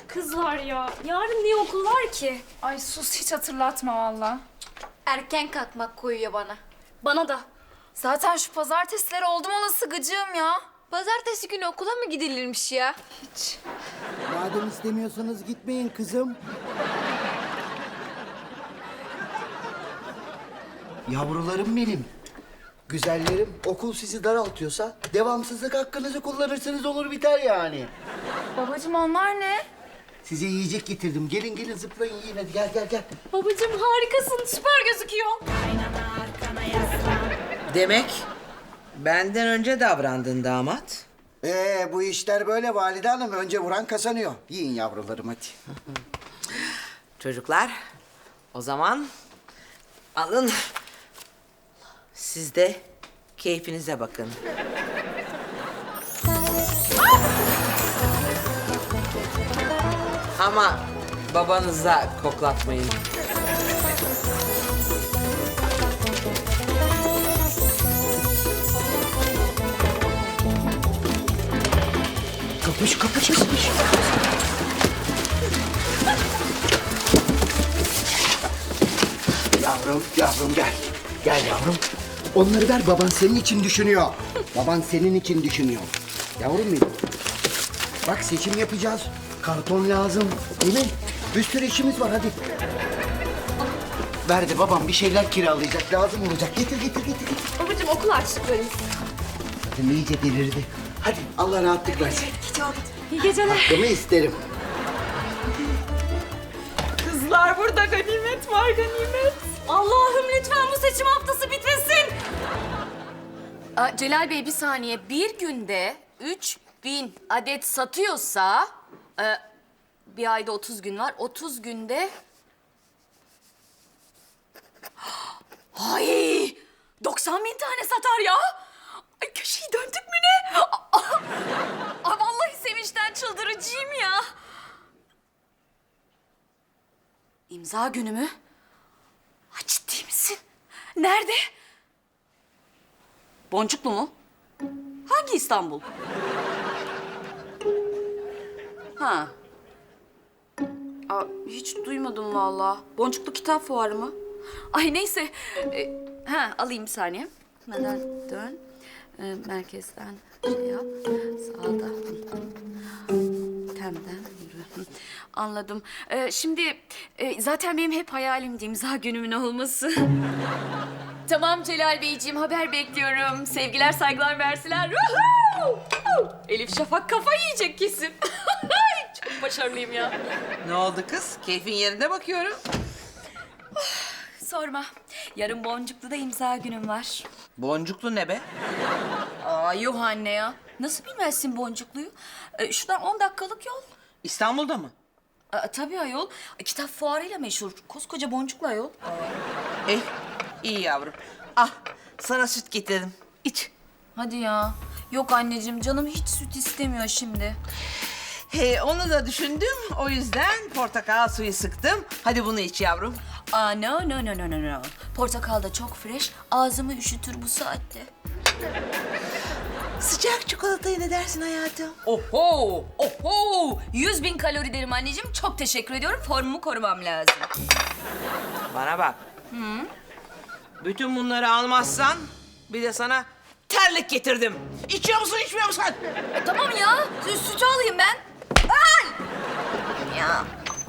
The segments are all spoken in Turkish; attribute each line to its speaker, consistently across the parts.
Speaker 1: Kızlar ya, yarın niye okul var ki?
Speaker 2: Ay sus, hiç hatırlatma valla.
Speaker 3: Erken kalkmak koyuyor bana.
Speaker 1: Bana da.
Speaker 2: Zaten şu pazartesileri oldum olası gıcığım ya.
Speaker 3: Pazartesi günü okula mı gidilirmiş ya?
Speaker 2: Hiç.
Speaker 4: Madem istemiyorsanız gitmeyin kızım. Yavrularım benim. Güzellerim, okul sizi daraltıyorsa devamsızlık hakkınızı kullanırsınız, olur biter yani.
Speaker 2: Babacığım onlar ne?
Speaker 4: Size yiyecek getirdim. Gelin gelin zıplayın yiyin, hadi gel gel gel.
Speaker 1: Babacığım harikasın, süper gözüküyor.
Speaker 5: Demek benden önce davrandın damat.
Speaker 4: Bu işler böyle valide hanım. Önce vuran kazanıyor. Yiyin yavrularım hadi.
Speaker 5: Çocuklar, o zaman alın. Siz de keyfinize bakın. Ama babanıza koklatmayın.
Speaker 4: Kapış kapış kapış. Yavrum gel. Gel yavrum. Onları ver, baban senin için düşünüyor. Baban senin için düşünüyor. Yavrum benim. Bak seçim yapacağız. Karton lazım. Değil mi? Bir sürü işimiz var hadi. Verdi babam bir şeyler kiralayacak. Lazım olacak. Getir.
Speaker 1: Babacığım okul açtıklarımız.
Speaker 4: Kadın iyice delirdi. Hadi Allah rahatlık versin.
Speaker 1: İyi geceler.
Speaker 4: Hakkımı isterim.
Speaker 1: Kızlar burada ganimet var, ganimet. Allah'ım lütfen bu seçim haftası bitmesin.
Speaker 3: Celal Bey bir saniye. Bir günde 3000 adet satıyorsa... bir ayda 30 gün var. 30 günde... Ay! 90 bin tane satar ya. Ay köşeyi döndük mü ne? Ay vallahi sevinçten çıldıracağım ya. İmza günü mü? Ay ciddi misin? Nerede? Boncuklu mu? Hangi İstanbul? Ha. Hiç duymadım vallahi. Boncuklu kitap fuarı mı? Ay neyse. Alayım bir saniye. Neden dön. Merkezden şey yap. Sağda. Temden yürü. Anladım. Şimdi zaten benim hep hayalimdi imza günümün olması. Tamam Celal Beyciğim, haber bekliyorum. Sevgiler, saygılar, mersiler. Elif Şafak kafa yiyecek kesin. Çok başarılıyım ya.
Speaker 5: Ne oldu kız? Keyfin yerinde bakıyorum.
Speaker 3: Sorma. Yarın Boncuklu'da imza günüm var.
Speaker 5: Boncuklu ne be?
Speaker 3: Yuh anne ya. Nasıl bilmezsin Boncuklu'yu? Şuradan 10 dakikalık yol.
Speaker 5: İstanbul'da mı?
Speaker 3: Tabii ayol. Kitap fuarıyla meşhur. Koskoca Boncuklu ayol.
Speaker 5: Eh, iyi yavrum. Ah, sana süt getirdim. İç.
Speaker 3: Hadi ya. Yok anneciğim, canım hiç süt istemiyor şimdi.
Speaker 5: Onu da düşündüm. O yüzden portakal suyu sıktım. Hadi bunu iç yavrum.
Speaker 3: No. Portakal da çok fresh. Ağzımı üşütür bu saatte.
Speaker 5: Sıcak çikolatayı ne dersin hayatım?
Speaker 3: Oho. 100 bin kalori derim anneciğim. Çok teşekkür ediyorum. Formumu korumam lazım.
Speaker 5: Bana bak. Bütün bunları almazsan bir de sana terlik getirdim. İçiyor musun, içmiyor musun?
Speaker 3: Tamam ya. Sütü alayım ben. Ay! Ya.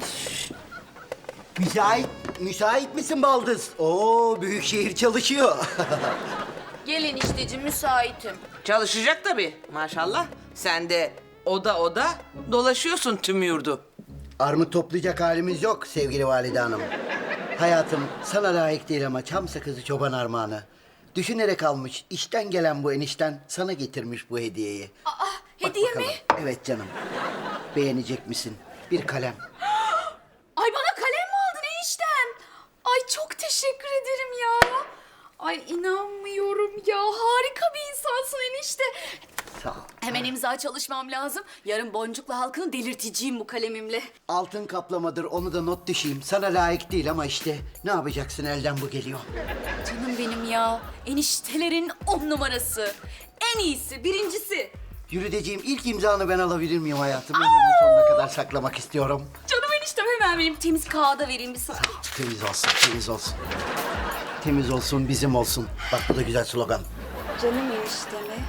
Speaker 4: Müsait misin baldız? Oo, büyük şehir çalışıyor.
Speaker 3: Gelin işteciğim, müsaitim.
Speaker 5: Çalışacak tabii maşallah. Sen de oda dolaşıyorsun tüm yurdu.
Speaker 4: Armut toplayacak halimiz yok sevgili valide hanım. Hayatım sana layık değil ama çam sakızı çoban armağanı. Düşünerek almış, işten gelen bu enişten sana getirmiş bu hediyeyi.
Speaker 3: Hediye mi?
Speaker 4: Bakalım. Evet canım. Beğenecek misin? Bir kalem.
Speaker 3: Ay bana kalem mi aldın eniştem? Ay çok teşekkür ederim ya. Ay inanmıyorum ya. Harika bir insansın enişte.
Speaker 4: Sağ ol.
Speaker 3: Hemen imza çalışmam lazım. Yarın Boncuklu halkını delirteceğim bu kalemimle.
Speaker 4: Altın kaplamadır, onu da not düşeyim. Sana layık değil ama işte ne yapacaksın, elden bu geliyor.
Speaker 3: Canım benim ya. Eniştelerin 10 numarası. En iyisi, birincisi.
Speaker 4: Jürideciğim ilk imzanı ben alabilir miyim hayatım? Ömrümün sonuna kadar saklamak istiyorum.
Speaker 3: Canım eniştem hemen vereyim. Temiz kağıda vereyim bir sana.
Speaker 4: Temiz olsun, temiz olsun. Temiz olsun, bizim olsun. Bak bu da güzel slogan.
Speaker 3: Canım enişteme.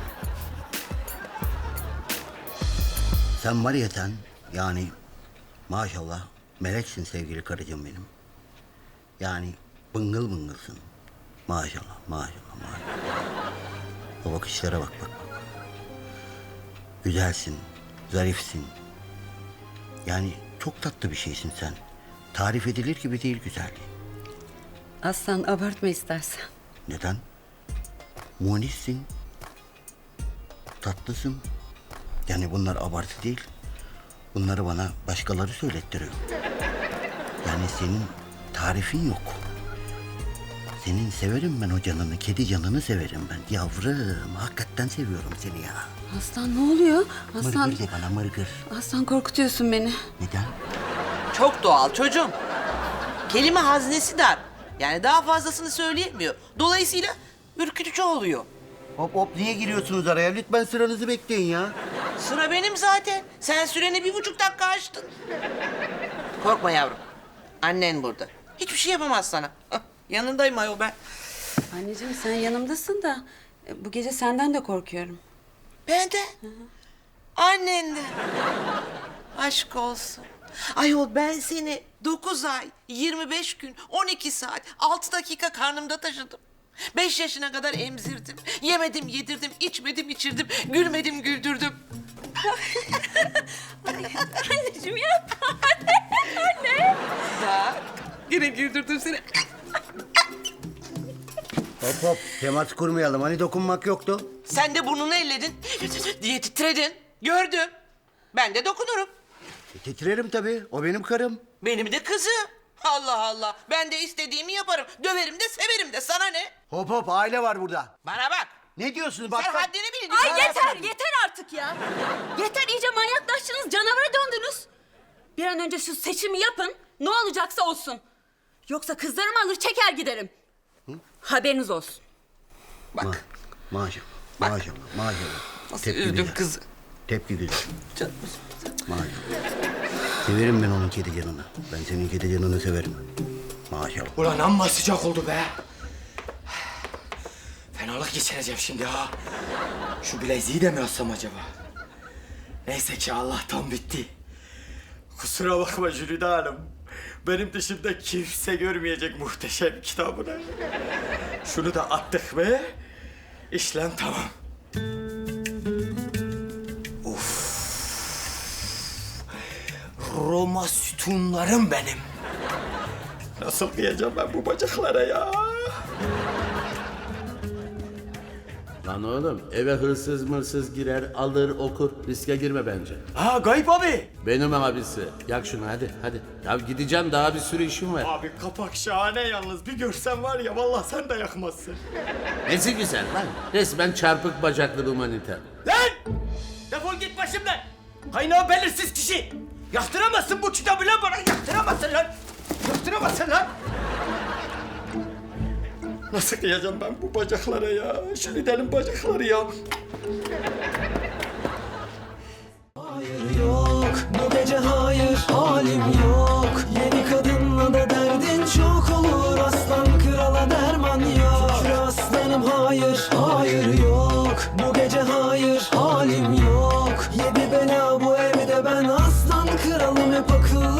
Speaker 4: Sen var ya sen, yani maşallah meleksin sevgili karıcığım benim. Yani bıngıl bıngılsın. Maşallah, maşallah, maşallah. O bakışlara bak, bak. Güzelsin, zarifsin. Yani çok tatlı bir şeysin sen. Tarif edilir gibi değil güzelliğin.
Speaker 6: Aslan abartma istersen.
Speaker 4: Neden? Munissin. Tatlısın. Yani bunlar abartı değil. Bunları bana başkaları söylettiriyor. Yani senin tarifin yok. Senin severim ben o canını, kedi canını severim ben. Yavrum, hakikaten seviyorum seni ya.
Speaker 6: Aslan ne oluyor? Aslan,
Speaker 4: Mırgır de bana mırgır.
Speaker 6: aslan korkutuyorsun beni.
Speaker 4: Neden?
Speaker 5: Çok doğal çocuğum. Kelime haznesi dar. Yani daha fazlasını söyleyemiyor. Dolayısıyla ürkütücü oluyor.
Speaker 4: Hop hop niye giriyorsunuz araya? Lütfen sıranızı bekleyin ya.
Speaker 5: Sıra benim zaten. Sen süreni 1,5 dakika açtın. Korkma yavrum. Annen burada. Hiçbir şey yapamaz sana. Hah, yanındayım ayol ben.
Speaker 6: Anneciğim sen yanımdasın da bu gece senden de korkuyorum.
Speaker 5: Ben de. Annen de. Aşk olsun. Ayol ben seni 9 ay, 25 gün, 12 saat, 6 dakika karnımda taşıdım. 5 yaşına kadar emzirdim. Yemedim, yedirdim, içmedim, içirdim. Gülmedim, güldürdüm.
Speaker 1: Anneciğim ya.
Speaker 5: Bak, yine güldürdüm seni.
Speaker 4: Hop hop temas kurmayalım. Hani dokunmak yoktu.
Speaker 5: Sen de burnunu elledin diye titredin. Gördüm. Ben de dokunurum.
Speaker 4: Titrerim tabii. O benim karım.
Speaker 5: Benim de kızım. Allah Allah. Ben de istediğimi yaparım. Döverim de severim de. Sana ne?
Speaker 4: Hop hop aile var burada.
Speaker 5: Bana bak.
Speaker 4: Ne diyorsunuz? Bak,
Speaker 5: Sen
Speaker 4: bak.
Speaker 5: haddini bil.
Speaker 1: Ay yeter artık ya. Yeter iyice manyaklaştınız, canavara döndünüz. Bir an önce şu seçimi yapın, ne olacaksa olsun. Yoksa kızlarımı alır çeker giderim. Haberiniz olsun.
Speaker 5: Bak.
Speaker 4: Maşallah. Maşallah. Maşallah.
Speaker 5: Nasıl
Speaker 4: Tepki
Speaker 5: üzdüm
Speaker 4: güzel.
Speaker 5: kızı.
Speaker 4: Tepki güzel.
Speaker 5: Canım.
Speaker 4: Maşallah. Severim ben onun kedi canını. Ben senin kedi canını severim. Maşallah.
Speaker 7: Ulan amma sıcak oldu be. Fenalık geçireceğim şimdi ha. Şu bileziği de mi yazsam acaba? Neyse ki Allah'tan bitti. Kusura bakma Jülide Hanım. Benim dışımda kimse görmeyecek muhteşem kitabını. Şunu da attık mı? İşlem tamam. Of. Roma sütunlarım benim. Nasıl kıyacağım ben bu bacaklara ya?
Speaker 8: Lan oğlum eve hırsız mırsız girer alır okur riske girme bence.
Speaker 7: Ha Gayip abi.
Speaker 8: Benim abisi. Yak şunu hadi hadi. Ya gideceğim daha bir sürü işim var.
Speaker 7: Abi kapak şahane yalnız. Bir görsen var ya vallahi sen de yakmazsın.
Speaker 8: Nesi güzel lan. Resmen çarpık bacaklı humaniter.
Speaker 7: Lan! Defol git başımdan. Kaynağı belirsiz kişi. Yaktıramazsın bu kitabı lan bana. Yaktıramazsın lan. Yaktıramazsın lan. Nasıl kıyacağım ben bu bacaklara ya? Şu Lide'nin bacakları ya.
Speaker 9: Hayır yok, bu gece hayır, halim yok. Yeni kadınla da derdin çok olur. Aslan krala derman yok. Şükür aslanım hayır, hayır yok. Bu gece hayır, halim yok. Yedi bela bu evde ben aslan kralım hep akıllı.